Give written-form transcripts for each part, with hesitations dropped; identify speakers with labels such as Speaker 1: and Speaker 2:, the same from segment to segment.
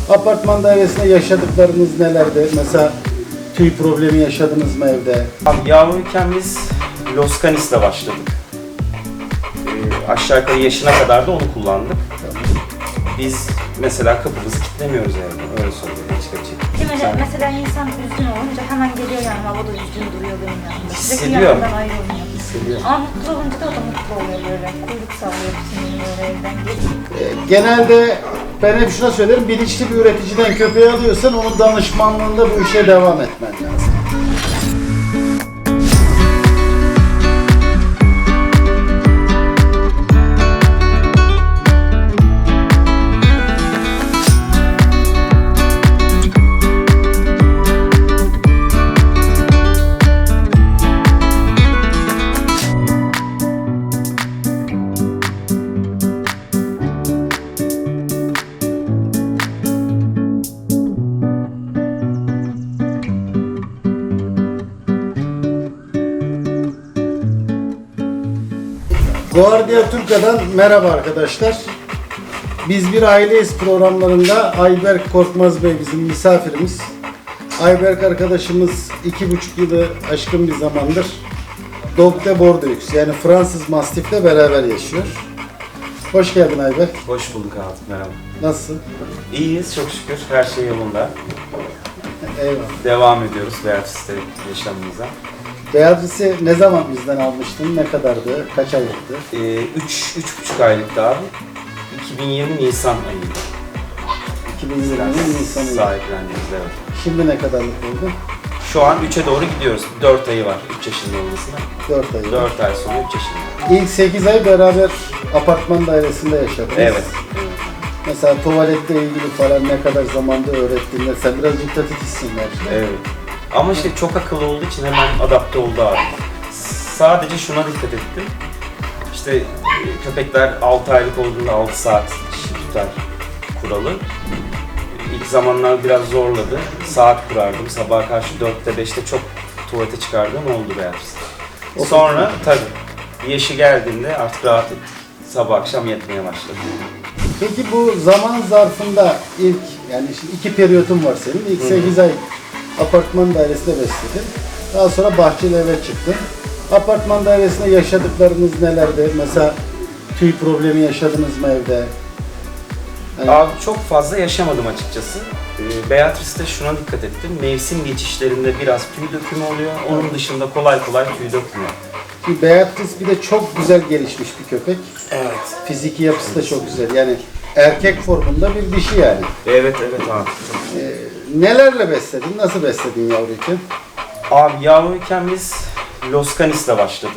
Speaker 1: Apartman dairesinde yaşadıklarınız nelerdi? Mesela tüy problemi yaşadınız mı evde?
Speaker 2: Abi yavruyken biz Los Canis'le başladık. Aşağı yukarı yaşına kadar da onu kullandık. Biz mesela kapımızı kilitlemiyoruz evde, öyle söyleyeyim açık açık.
Speaker 3: Mesela insan üzgün olunca hemen geliyor yanıma, o da üzgün duruyor benim yanımda. Sürekli
Speaker 2: Hissediyor.
Speaker 3: yanımdan ayrılmıyor.
Speaker 2: Hissediyor.
Speaker 3: Ama mutlu olunca da o da mutlu oluyor böyle. Kuyruk sallıyor bütün gün böyle evden gelip.
Speaker 1: Genelde ben hep şuna söylerim, bilinçli bir üreticiden köpeği alıyorsan onun danışmanlığında bu işe devam etmen lazım. Guardia Turca'dan merhaba arkadaşlar. Biz bir aileyiz programlarında Ayberk Korkmaz Bey bizim misafirimiz. Ayberk arkadaşımız 2,5 yılı aşkın bir zamandır Dog de Bordeaux yani Fransız Mastif'le beraber yaşıyor. Hoş geldin Ayberk.
Speaker 2: Hoş bulduk abi, merhaba.
Speaker 1: Nasılsın?
Speaker 2: İyiyiz çok şükür, her şey yolunda.
Speaker 1: Eyvallah.
Speaker 2: Devam ediyoruz Beatrice'te yaşamımıza.
Speaker 1: Beatrice'i ne zaman bizden almıştın? Ne kadardı? Kaç aylıktı?
Speaker 2: 3,5 aylıktı abi. 2020 Nisan ayıydı.
Speaker 1: 2020 Nisan ayı.
Speaker 2: Sahiplendiğimiz, evet.
Speaker 1: Şimdi ne kadarlık oldu?
Speaker 2: Şu an 3'e doğru gidiyoruz. 4 ayı var 3 yaşında olmasına.
Speaker 1: 4 ay.
Speaker 2: 4 ay sonra 3 yaşında.
Speaker 1: İlk 8 ay beraber apartman dairesinde yaşadınız.
Speaker 2: Evet.
Speaker 1: Mesela tuvaletle ilgili falan ne kadar zamanda öğrettiğinde sen biraz diktatifsin belki.
Speaker 2: Evet. Ama işte çok akıllı olduğu için hemen adapte oldu abi. Sadece şuna dikkat ettim. İşte köpekler 6 aylık olduğunda 6 saat dişi tutar kuralı. İlk zamanlar biraz zorladı. Saat kurardım. Sabaha karşı 4'te 5'te çok tuvalete çıkardığım oldu Beatrice'de. Sonra tabii yaşı geldiğinde artık rahat ettik. Sabah akşam yatmaya başladı.
Speaker 1: Peki bu zaman zarfında ilk yani şimdi 2 periyotun var senin. İlk 8 ay apartman dairesinde besledin. Daha sonra bahçeli eve çıktın. Apartman dairesinde yaşadıklarınız nelerdi? Mesela tüy problemi yaşadınız mı evde? Yani
Speaker 2: Abi çok fazla yaşamadım açıkçası. Beatrice'de şuna dikkat ettim. Mevsim geçişlerinde biraz tüy dökümü oluyor. Onun dışında kolay kolay tüy dökmüyor.
Speaker 1: Şimdi Beatrice bir de çok güzel gelişmiş bir köpek.
Speaker 2: Evet.
Speaker 1: Fiziki yapısı da çok güzel. Yani erkek formunda bir dişi yani.
Speaker 2: Evet abi.
Speaker 1: Nelerle besledin? Nasıl besledin yavruyken?
Speaker 2: Abi yavruyken biz Los Canis'le başladık.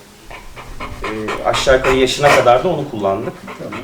Speaker 2: Aşağı yukarı yaşına kadar da onu kullandık.
Speaker 1: Tamam.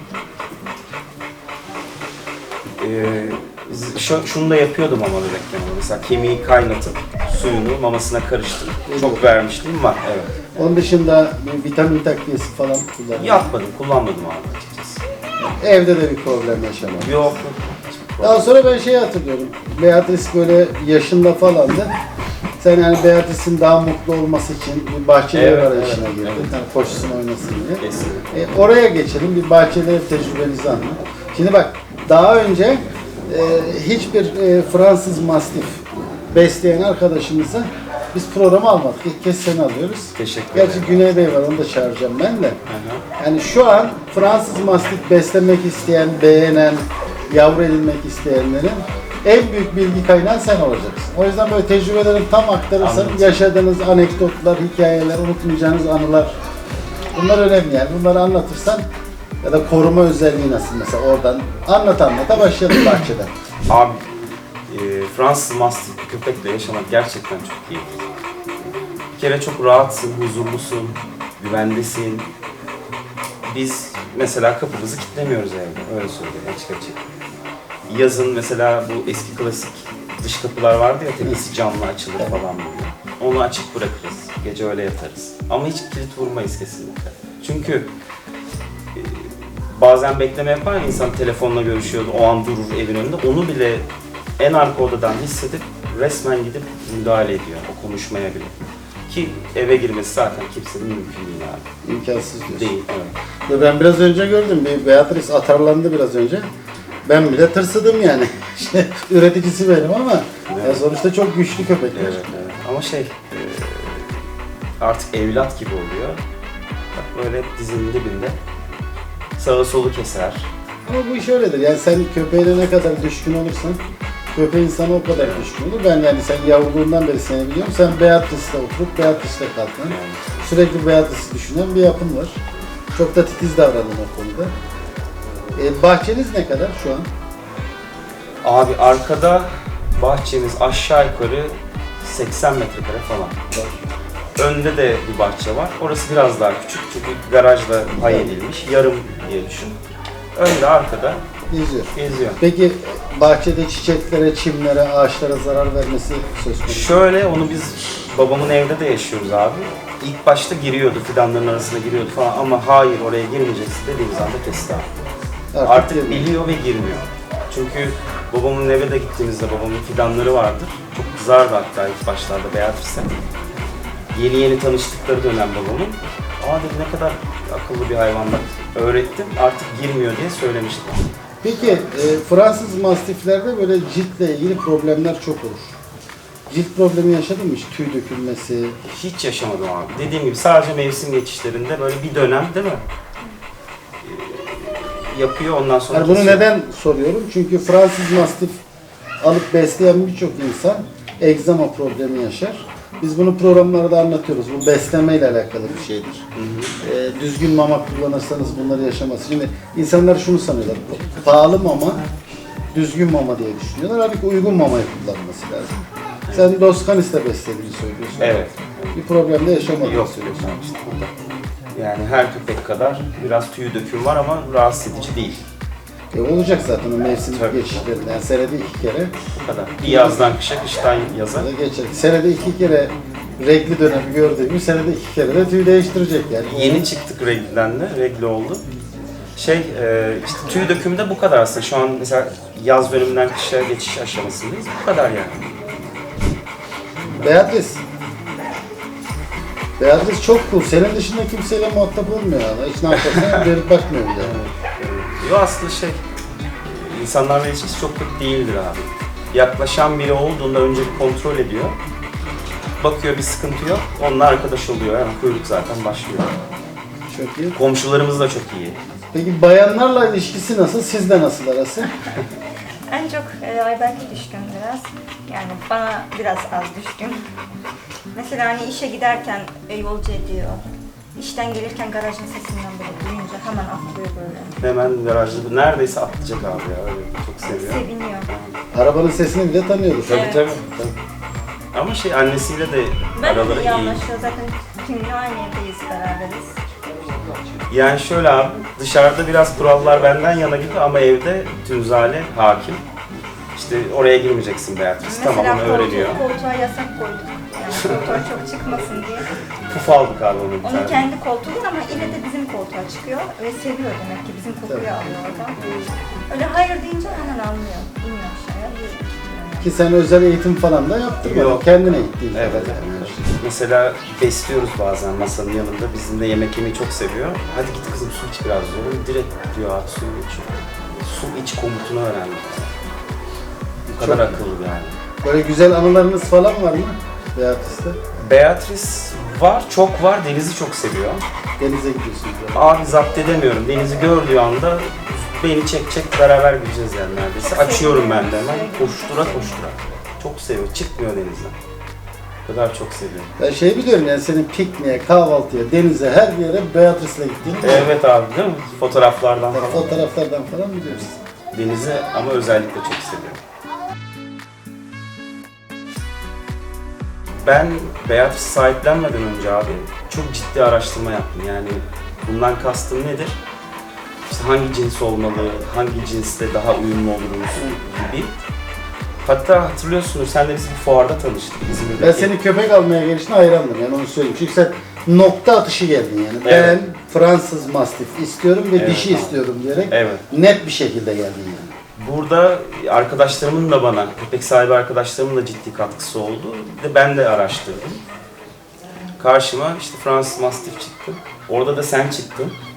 Speaker 2: Şunu da yapıyordum ama bebekken. Mesela kemiği kaynatıp suyunu mamasına karıştırıp çok vermişliğim var. Evet.
Speaker 1: Onun dışında bir vitamin takviyesi falan kullandın.
Speaker 2: Kullanmadım abi açıkçası.
Speaker 1: Evde de bir problem yaşamadın.
Speaker 2: Yok.
Speaker 1: Daha sonra ben şeyi hatırlıyorum. Beatrice böyle yaşında falandı. Sen yani Beatrice'in daha mutlu olması için bir bahçeli ev arayışına girdin.
Speaker 2: evet.
Speaker 1: Yani koşsun oynasın diye.
Speaker 2: Kesinlikle.
Speaker 1: Oraya geçelim. Bir bahçeli ev tecrübeni anlat. Şimdi bak daha önce hiçbir Fransız Mastif besleyen arkadaşımıza biz programı almadık. İlk kez seni alıyoruz.
Speaker 2: Teşekkür
Speaker 1: Gerçi
Speaker 2: ederim.
Speaker 1: Güney Bey var, onu da çağıracağım ben de.
Speaker 2: Hı.
Speaker 1: Yani şu an Fransız Mastif beslemek isteyen, beğenen, yavru edinmek isteyenlerin en büyük bilgi kaynağı sen olacaksın. O yüzden böyle tecrübelerini tam aktarırsan,
Speaker 2: Anladım.
Speaker 1: Yaşadığınız anekdotlar, hikayeler, unutmayacağınız anılar, bunlar önemli yani. Bunları anlatırsan ya da koruma özelliği nasıl mesela oradan anlata başlayalım bahçeden.
Speaker 2: Abi Fransız Mastif bir köpekle yaşamak gerçekten çok iyi. Bir kere çok rahatsın, huzurlusun, güvendesin. Biz mesela kapımızı kilitlemiyoruz evde, öyle söyleyeyim açık açık. Yazın mesela bu eski klasik dış kapılar vardı ya, tepesi camla açılır falan böyle. Onu açık bırakırız, gece öyle yatarız. Ama hiç kilit vurmayız kesinlikle. Çünkü bazen bekleme yapar ya, insan telefonla görüşüyordu, o an durur evin önünde. Onu bile en arka odadan hissedip resmen gidip müdahale ediyor o konuşmaya bile. Ki eve girmesi zaten kimsenin mümkün değil abi.
Speaker 1: İmkansız diyorsun.
Speaker 2: Değil, evet.
Speaker 1: Ben biraz önce gördüm, bir Beatrice atarlandı biraz önce. Ben bile tırsıdım yani. İşte üreticisi benim ama ya sonuçta çok güçlü köpekler.
Speaker 2: Evet, evet. Ama artık evlat gibi oluyor. Bak böyle hep dizinin dibinde. Sağı solu keser.
Speaker 1: Ama bu iş öyledir. Yani sen köpeğine ne kadar düşkün olursan köpeğin sana o kadar düşkün olur. Ben yani sen yavruluğundan beri seni biliyorum. Sen Beatrice'le oturup Beatrice'le kalkan, sürekli Beatrice'i düşünen bir yapın var. Çok da titiz davranın o konuda. Bahçeniz ne kadar şu an?
Speaker 2: Abi arkada bahçemiz aşağı yukarı 80 metrekare falan. Önde de bir bahçe var. Orası biraz daha küçük çünkü garajla pay edilmiş. Yarım diye düşün. Önde arkada
Speaker 1: Geziyor.
Speaker 2: geziyor.
Speaker 1: Peki bahçede çiçeklere, çimlere, ağaçlara zarar vermesi söz konusu.
Speaker 2: Şöyle onu biz babamın evde de yaşıyoruz abi. İlk başta giriyordu, fidanların arasına giriyordu falan ama hayır oraya girmeyeceksin dediğimiz anda kesti abi. Artık
Speaker 1: girmiyor.
Speaker 2: biliyor ve girmiyor. Çünkü babamın eve de gittiğimizde babamın fidanları vardır. Çok kızardı hatta ilk başlarda Beatrice'e. Yeni tanıştıkları dönem babamın. Aa dedi ne kadar akıllı bir hayvan bak. Öğrettim artık girmiyor diye söylemiştim.
Speaker 1: Peki Fransız mastiflerde böyle ciltle ilgili problemler çok olur. Cilt problemi yaşadın mı hiç? Tüy dökülmesi.
Speaker 2: Hiç yaşamadım abi. Dediğim gibi sadece mevsim geçişlerinde böyle bir dönem değil mi? Yapıyor ondan sonra
Speaker 1: Yani bunu
Speaker 2: kesiyor.
Speaker 1: neden soruyorum? Çünkü Fransız mastif alıp besleyen birçok insan egzama problemi yaşar. Biz bunu programlarda anlatıyoruz. Bu beslemeyle alakalı bir şeydir. Düzgün mama kullanırsanız bunları yaşamaz. Şimdi insanlar şunu sanıyorlar. Pahalı mama, düzgün mama diye düşünüyorlar. Halbuki uygun mamayı kullanması lazım. Sen Dos Canis'le beslediğini söylüyorsun.
Speaker 2: Evet.
Speaker 1: Bir problem de yaşamadığını
Speaker 2: Yok
Speaker 1: söylüyorsun.
Speaker 2: yok işte burada. Yani her köpek kadar biraz tüy döküm var ama rahatsız edici değil.
Speaker 1: Olacak zaten o mevsim
Speaker 2: Tabii.
Speaker 1: geçişlerinde. Yani senede 2 kere
Speaker 2: Bu kadar. Bir yazdan kışa, kıştan yaza.
Speaker 1: da geçer. Senede 2 kere regli dönemi gördüğümüz senede 2 kere de tüy değiştirecek yani.
Speaker 2: Yeni çıktık regliden de, regli oldu. İşte tüy dökümü de bu kadar aslında. Şu an mesela yaz döneminden kışa geçiş aşamasındayız. Bu kadar yani.
Speaker 1: Beatrice. Beatrice çok cool. Senin dışında kimseyle muhatap olmuyor yani. Hiç ne yaparsan dönüp bakmıyor bile.
Speaker 2: Yo aslında insanlarla ilişkisi çok kötü değildir abi. Yaklaşan biri olduğunda önce bir kontrol ediyor. Bakıyor bir sıkıntı yok, onunla arkadaş oluyor. Yani kuyruk zaten başlıyor.
Speaker 1: Çok iyi.
Speaker 2: Komşularımız da çok iyi.
Speaker 1: Peki bayanlarla ilişkisi nasıl? Sizle nasıl arası?
Speaker 3: En çok Ayberk'e düşkün biraz. Yani bana biraz az düşkün. Mesela hani işe giderken yolcu ediyor. İşten gelirken garajın sesinden böyle duyunca hemen atlıyor böyle.
Speaker 2: Hemen garajda neredeyse atlayacak abi ya. Öyle çok seviyor.
Speaker 3: Seviniyor.
Speaker 1: Arabanın sesini bile tanıyordur.
Speaker 2: Tabii
Speaker 3: Evet.
Speaker 2: tabii. Ama annesiyle de
Speaker 3: Ben de
Speaker 2: araları
Speaker 3: iyi
Speaker 2: iyi.
Speaker 3: anlaşıyor. Zaten tümle aynı evdeyiz, beraberiz.
Speaker 2: Yani şöyle abi, dışarıda biraz kurallar benden yana gibi ama evde Tünzale hakim. İşte oraya girmeyeceksin Beatrice, tamam onu öğreniyor.
Speaker 3: Koltuğa yasak koyduk. Yani koltuğa çok çıkmasın diye.
Speaker 2: Puf aldık abi onu bir
Speaker 3: Onun
Speaker 2: tane.
Speaker 3: kendi koltuğu ama yine de bizim koltuğa çıkıyor ve seviyor demek ki bizim kokuyu alıyor oradan. Öyle hayır deyince hemen anlıyor. İniyor aşağıya.
Speaker 1: Ki sen özel eğitim falan da yaptın.
Speaker 2: Yok.
Speaker 1: Kendine gittiğin.
Speaker 2: Evet. Mesela besliyoruz bazen masanın yanında. Bizimle yemek yemeyi çok seviyor. Hadi git kızım su iç biraz diyorum. Direkt diyor abi su içiyor. Su iç komutunu öğrendi. Bu kadar
Speaker 1: Çok
Speaker 2: akıllı yani.
Speaker 1: Böyle güzel anılarınız falan var mı Beatrice'te?
Speaker 2: Beatrice var, çok var. Deniz'i çok seviyor.
Speaker 1: Denize gidiyorsunuz. Yani.
Speaker 2: Abi zapt edemiyorum. Deniz'i gördüğü anda beni çekecek, beraber gideceğiz yani neredeyse.
Speaker 3: Çok
Speaker 2: Açıyorum
Speaker 3: seviyor.
Speaker 2: ben de hemen. Koştura koştura. Çok seviyor. Çıkmıyor denizden. O kadar çok seviyor.
Speaker 1: Ben şey biliyorum yani senin pikniğe, kahvaltıya, denize her yere Beatrice'le gittiğini biliyorum.
Speaker 2: Evet abi değil mi? Fotoğraflardan falan.
Speaker 1: Fotoğraflardan falan biliyoruz.
Speaker 2: Deniz'i ama özellikle çok seviyorum. Ben Beatrice sahiplenmeden önce abi çok ciddi araştırma yaptım. Yani bundan kastım nedir? İşte hangi cins olmalı, hangi cinsle daha uyumlu oluruz gibi. Hatta hatırlıyorsunuz, senle biz bir fuarda tanıştık İzmir'deki.
Speaker 1: Ben senin köpek almaya gelişine hayrandım yani onu söyleyeyim. Çünkü sen nokta atışı geldin yani.
Speaker 2: Evet.
Speaker 1: Ben Fransız Mastif istiyorum ve
Speaker 2: Evet,
Speaker 1: dişi
Speaker 2: tamam.
Speaker 1: istiyorum diyerek
Speaker 2: Evet.
Speaker 1: net bir şekilde geldin yani.
Speaker 2: Burada arkadaşlarımın da bana, köpek sahibi arkadaşlarımın da ciddi katkısı oldu. Bir de ben de araştırdım. Karşıma işte Fransız Mastiff çıktı. Orada da sen çıktın.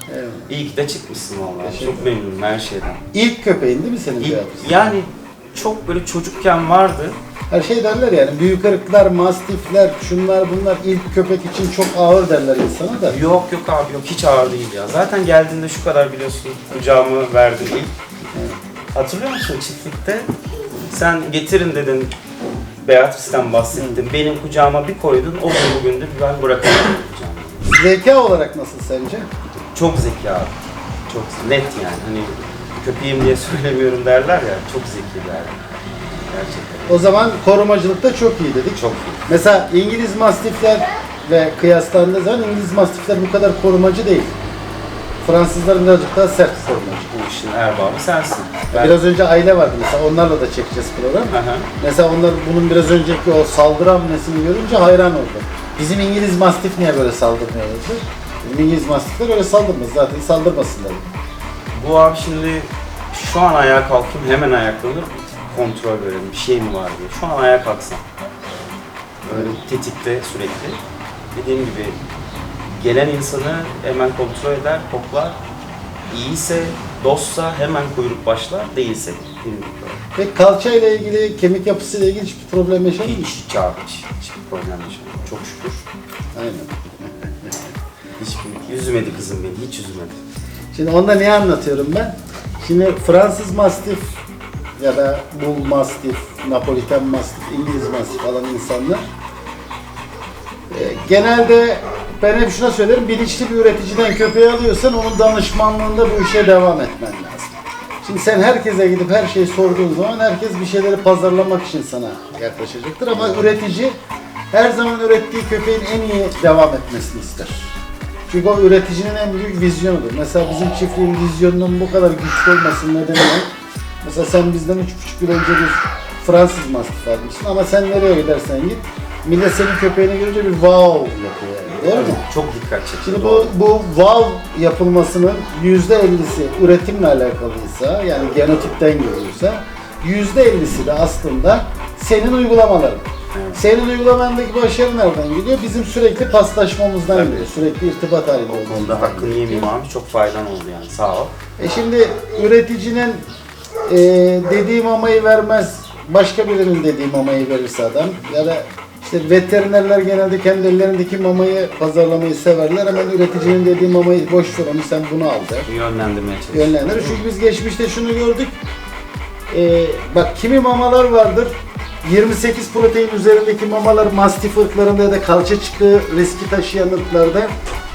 Speaker 1: Evet.
Speaker 2: İyi ki de çıkmışsın vallahi.
Speaker 1: Teşekkür
Speaker 2: Çok memnunum her şeyden.
Speaker 1: İlk köpeğin değil mi senin
Speaker 2: İlk-
Speaker 1: Beatrice?
Speaker 2: yani çok böyle çocukken vardı.
Speaker 1: Her şey derler yani büyük ırklar, mastifler, şunlar bunlar ilk köpek için çok ağır derler insana da.
Speaker 2: Yok yok abi yok, hiç ağır değil ya. Zaten geldiğinde şu kadar biliyorsun, kucağımı verdin ilk. Hatırlıyor musun çiftlikte? Sen getirin dedin, Beatrice'den bahsettin. Benim kucağıma bir koydun, o gün bugündür ben bırakamadım kucağıma.
Speaker 1: Zeka olarak nasıl sence?
Speaker 2: Çok zeki abi. Çok net yani. Hani köpeğim diye söylemiyorum derler ya. Çok zeki derler. Gerçekten.
Speaker 1: O zaman korumacılıkta çok iyi dedik.
Speaker 2: Çok iyi.
Speaker 1: Mesela İngiliz mastifler ve kıyaslandığı zaman İngiliz mastifler bu kadar korumacı değil. Fransızlar birazcık daha sert korumacı.
Speaker 2: Bu işin erbabı sensin. Ben...
Speaker 1: Biraz önce aile vardı mesela onlarla da çekeceğiz program.
Speaker 2: Hı hı.
Speaker 1: Mesela onlar bunun biraz önceki o saldırı hamlesini görünce hayran oldu. Bizim İngiliz mastif niye böyle saldırmıyor dedi. Bizim İngiliz mastifler öyle saldırmaz zaten saldırmasınlar.
Speaker 2: Bu abi şimdi şu an ayağa kalkayım, hemen ayaklanır, kontrol verelim, bir şey mi var diye. Şu an ayağa kalksam, böyle tetikte sürekli. Dediğim gibi gelen insanı hemen kontrol eder, koklar. İyiyse, dostsa hemen kuyruk başlar, değilse kuyruk.
Speaker 1: Ve kalça ile ilgili, kemik yapısı ile ilgili hiçbir problem yaşadın mı?
Speaker 2: Hiç abi, hiçbir problem yaşamadım. Çok şükür.
Speaker 1: Aynen.
Speaker 2: Hiç üzmedi kızım beni, hiç üzmedi.
Speaker 1: Şimdi onda niye anlatıyorum ben? Şimdi Fransız Mastif ya da Bull Mastif, Napoliten Mastif, İngiliz Mastif alan insanlar genelde ben hep şuna söylerim, bilinçli bir üreticiden köpeği alıyorsan onun danışmanlığında bu işe devam etmen lazım. Şimdi sen herkese gidip her şeyi sorduğun zaman herkes bir şeyleri pazarlamak için sana yaklaşacaktır ama üretici her zaman ürettiği köpeğin en iyi devam etmesini ister. Çünkü o üreticinin en büyük vizyonudur. Mesela bizim çiftliğin vizyonunun bu kadar güçlü olmasının nedeni ne? Mesela sen bizden 3,5 yıl önce bir Fransız Mastif almışsın ama sen nereye gidersen git, millet senin köpeğini görünce bir wow yapıyor yani. Doğru mu?
Speaker 2: Çok dikkat çekici.
Speaker 1: Şimdi
Speaker 2: doğru.
Speaker 1: bu wow yapılmasının %50'si üretimle alakalıysa, yani genotipten geliyorsa, %50'si de aslında senin uygulamaların.
Speaker 2: Evet.
Speaker 1: Senin uygulamandaki başarı nereden geliyor? Bizim sürekli paslaşmamızdan
Speaker 2: Tabii.
Speaker 1: geliyor. Sürekli irtibat halinde
Speaker 2: O konuda
Speaker 1: olduğumuzdan
Speaker 2: hakkını
Speaker 1: geliyor.
Speaker 2: yemeyeyim abi, çok faydan oldu yani, sağ ol.
Speaker 1: Şimdi üreticinin dediği mamayı vermez, başka birinin dediği mamayı verirse adam ya da işte veterinerler genelde kendi ellerindeki mamayı pazarlamayı severler. Hemen üreticinin dediği mamayı boş ver onu sen bunu al der.
Speaker 2: Yönlendirmeye çalışıyorum.
Speaker 1: Yönlendirir. Çünkü biz geçmişte şunu gördük. Bak kimi mamalar vardır. 28 protein üzerindeki mamalar mastif ırklarında ya da kalça çıkığı riski taşıyan ırklarda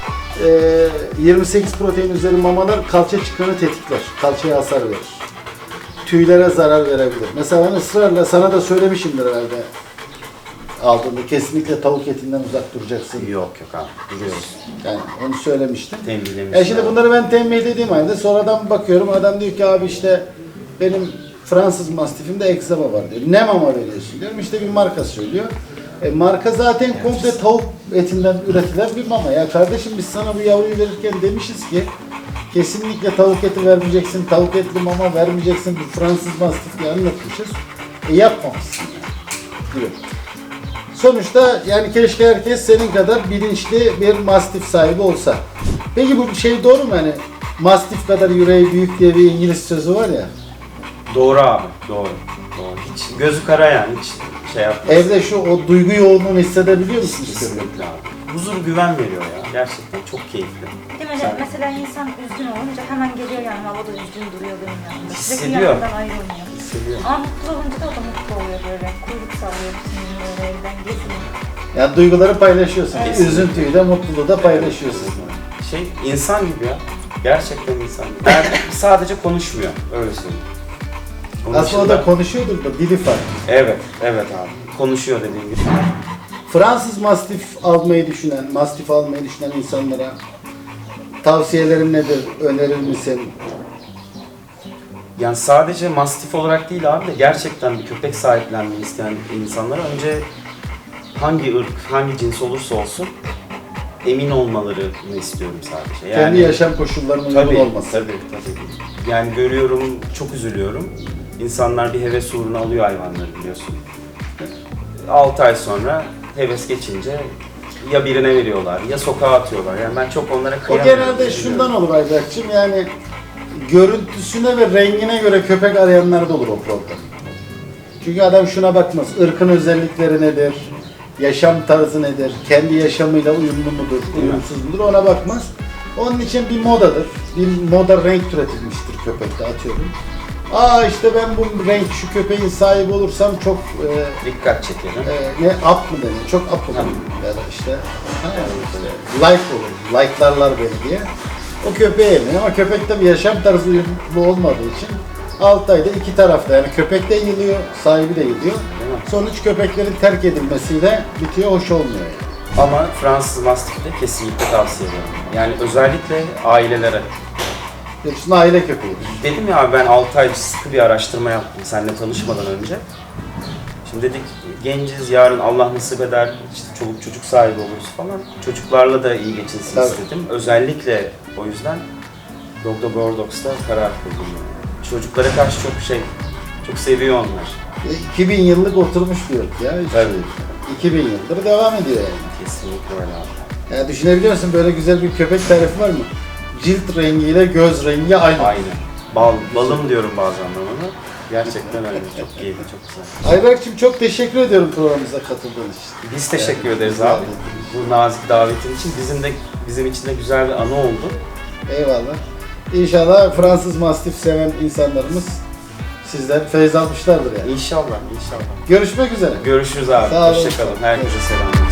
Speaker 1: 28 protein üzeri mamalar kalça çıkığını tetikler. Kalçaya hasar verir. Tüylere zarar verebilir. Mesela ben ısrarla sana da söylemişimdir herhalde aldığında kesinlikle tavuk etinden uzak duracaksın.
Speaker 2: Yok yok abi, duruyoruz.
Speaker 1: Yani onu söylemiştim.
Speaker 2: Tembihlemiştim.
Speaker 1: Şimdi bunları ben tembih dediğim halde sonradan bakıyorum adam diyor ki abi işte benim Fransız Mastif'imde egzama var diyor. Ne mama veriyorsun diyorum. İşte bir marka söylüyor. Marka zaten komple tavuk etinden üretilen bir mama. Ya kardeşim biz sana bu yavruyu verirken demişiz ki kesinlikle tavuk eti vermeyeceksin, tavuk etli mama vermeyeceksin. Bu Fransız Mastif diye anlatmışız. Yapmamışsın yani. Diyor. Sonuçta yani keşke herkes senin kadar bilinçli bir mastif sahibi olsa. Peki bu şey doğru mu hani mastif kadar yüreği büyük diye bir İngiliz sözü var ya.
Speaker 2: Doğru abi, doğru. Doğru. Hiç gözü kara yani, hiç şey yapmaz.
Speaker 1: Evde şu o duygu yoğunluğunu hissedebiliyor musunuz?
Speaker 2: Kesinlikle abi. Huzur, güven veriyor ya. Gerçekten çok keyifli.
Speaker 3: Değil mi? Mesela insan üzgün olunca hemen geliyor yanıma, o da üzgün duruyor benim yanımda. Sürekli
Speaker 2: Hissediyor.
Speaker 3: yanımdan ayrılmıyor.
Speaker 2: Hissediyorum.
Speaker 3: Ama mutlu olunca da o da mutlu oluyor böyle. Kuyruk sallıyor bütün gün böyle evden geziyor.
Speaker 1: Yani duyguları paylaşıyorsun.
Speaker 3: Evet.
Speaker 1: Üzüntüyü de mutluluğu da paylaşıyorsun.
Speaker 2: Şey, insan gibi ya. Gerçekten insan gibi. Yani sadece konuşmuyor, öyle söyleyeyim. Onun
Speaker 1: Aslında o
Speaker 2: dışında-
Speaker 1: da konuşuyordur da dili farklı.
Speaker 2: Evet, evet abi. Konuşuyor dediğim gibi.
Speaker 1: Fransız mastif almayı düşünen, mastif almayı düşünen insanlara tavsiyelerin nedir? Önerir misin?
Speaker 2: Yani sadece mastif olarak değil abi de gerçekten bir köpek sahiplenmeyi isteyen insanlara önce hangi ırk, hangi cins olursa olsun emin olmalarını istiyorum sadece.
Speaker 1: Kendi yaşam koşullarının uygun
Speaker 2: tabii,
Speaker 1: olması.
Speaker 2: tabii. Yani görüyorum, çok üzülüyorum. İnsanlar bir heves uğruna alıyor hayvanları biliyorsun. 6 ay sonra heves geçince ya birine veriyorlar ya sokağa atıyorlar. Yani ben çok onlara
Speaker 1: O
Speaker 2: kıyamıyorum.
Speaker 1: genelde şundan olur Ayberk'cim, yani görüntüsüne ve rengine göre köpek arayanlar da olur o problem. Çünkü adam şuna bakmaz, ırkın özellikleri nedir, yaşam tarzı nedir, kendi yaşamıyla uyumlu mudur, uyumsuz mudur ona bakmaz. Onun için bir modadır, bir moda renk türetilmiştir köpekte, atıyorum. Aa işte ben bu renk, şu köpeğin sahibi olursam çok
Speaker 2: Dikkat çekelim.
Speaker 1: ne up mı deniyor, çok up olurum ya da işte, like olur, like'larlar beni diye. O köpeğe yemiyor ama köpek tabii yaşam tarzı uyumlu olmadığı için 6 ayda iki tarafta, yani köpek de yılıyor, sahibi de yılıyor. Sonuç köpeklerin terk edilmesiyle bitiyor, hoş olmuyor yani.
Speaker 2: Ama Fransız Mastif'i de kesinlikle tavsiye ederim. Yani özellikle ailelere.
Speaker 1: Hepsinin aile köpeğidir.
Speaker 2: Dedim ya ben 6 ay sıkı bir araştırma yaptım seninle tanışmadan önce. Şimdi dedik genciz, yarın Allah nasip eder, işte çoluk çocuk sahibi oluruz falan. Çocuklarla da iyi geçinsin
Speaker 1: Tabii.
Speaker 2: istedim. Özellikle o yüzden Dog Dog Gordox'ta karar kıldım. Çocuklara karşı çok seviyor onlar.
Speaker 1: 2000 yıllık oturmuş bir ırk ya.
Speaker 2: Tabii.
Speaker 1: 2000 yıldır devam ediyor yani.
Speaker 2: Kesinlikle öyle abi.
Speaker 1: Yani düşünebiliyor musun, böyle güzel bir köpek tarifi var mı? Cilt rengiyle göz rengi aynı.
Speaker 2: Aynen. Balım diyorum bazen ben ona. Gerçekten öyle. Çok keyifli, çok güzel.
Speaker 1: Ayberk'cim çok teşekkür ediyorum programımıza katıldığın için.
Speaker 2: Biz teşekkür ederiz
Speaker 1: güzel
Speaker 2: abi. Bu nazik davetin için. Bizim için de güzel bir anı oldu.
Speaker 1: Eyvallah. İnşallah Fransız Mastif seven insanlarımız sizden feyz almışlardır yani.
Speaker 2: İnşallah, inşallah.
Speaker 1: Görüşmek üzere.
Speaker 2: Görüşürüz abi.
Speaker 1: Sağ olun.
Speaker 2: Hoşça kalın. Herkese selamlar.